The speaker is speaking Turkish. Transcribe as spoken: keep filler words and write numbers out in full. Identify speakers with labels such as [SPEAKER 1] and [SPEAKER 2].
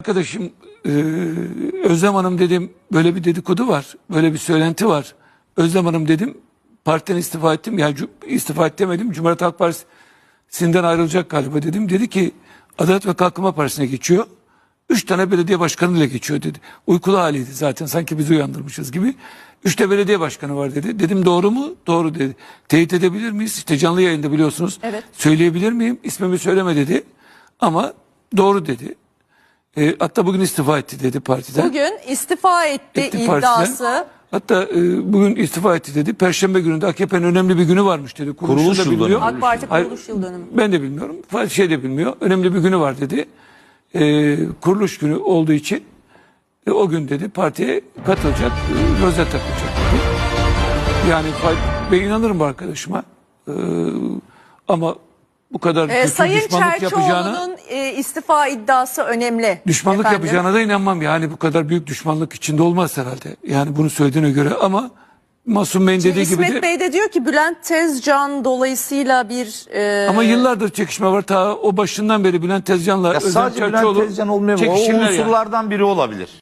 [SPEAKER 1] Arkadaşım e, Özlem Hanım dedim, böyle bir dedikodu var, böyle bir söylenti var. Özlem Hanım dedim, partiden istifa ettim. Yani istifa et demedim, Cumhuriyet Halk Partisi'nden ayrılacak galiba dedim. Dedi ki Adalet ve Kalkınma Partisi'ne geçiyor. Üç tane belediye başkanıyla geçiyor dedi. Uykulu haliydi zaten, sanki bizi uyandırmışız gibi. Üç de belediye başkanı var dedi. Dedim doğru mu? Doğru dedi. Teyit edebilir miyiz? İşte canlı yayında biliyorsunuz.
[SPEAKER 2] Evet.
[SPEAKER 1] Söyleyebilir miyim? İsmimi söyleme dedi. Ama doğru dedi. E, hatta bugün istifa etti dedi partiden.
[SPEAKER 2] Bugün istifa etti,
[SPEAKER 1] Etti
[SPEAKER 2] iddiası.
[SPEAKER 1] partiden. Hatta e, bugün istifa etti dedi. Perşembe gününde A K P'nin önemli bir günü varmış dedi. Kuruluşu
[SPEAKER 3] Kuruluş
[SPEAKER 1] da
[SPEAKER 3] yıl
[SPEAKER 1] bilmiyor.
[SPEAKER 3] dönümü.
[SPEAKER 2] AK Parti
[SPEAKER 1] Hayır,
[SPEAKER 2] kuruluş yıl dönümü.
[SPEAKER 1] Ben de bilmiyorum. Şey de bilmiyor. Önemli bir günü var dedi. E, kuruluş günü olduğu için e, o gün dedi partiye katılacak, e, rozet takılacak dedi. Yani ben inanırım bu arkadaşıma. E, ama bu kadar
[SPEAKER 2] Ee,
[SPEAKER 1] kötü
[SPEAKER 2] Sayın
[SPEAKER 1] düşmanlık yapacağına...
[SPEAKER 2] Çerçioğlu'nun e, istifa iddiası önemli.
[SPEAKER 1] Düşmanlık
[SPEAKER 2] efendim.
[SPEAKER 1] yapacağına da inanmam. Yani bu kadar büyük düşmanlık içinde olmaz herhalde. Yani bunu söylediğine göre, ama Masum Bey'in dediği gibi
[SPEAKER 2] İsmet
[SPEAKER 1] de...
[SPEAKER 2] Bey de diyor ki Bülent Tezcan dolayısıyla bir... E,
[SPEAKER 1] Ama yıllardır çekişme var. Ta o başından beri Bülent Tezcan'la
[SPEAKER 3] Ya
[SPEAKER 1] Özlem
[SPEAKER 3] sadece
[SPEAKER 1] Çerçioğlu
[SPEAKER 3] Bülent Tezcan olmuyor mu? O
[SPEAKER 1] çekişirler yani.
[SPEAKER 3] unsurlardan biri olabilir.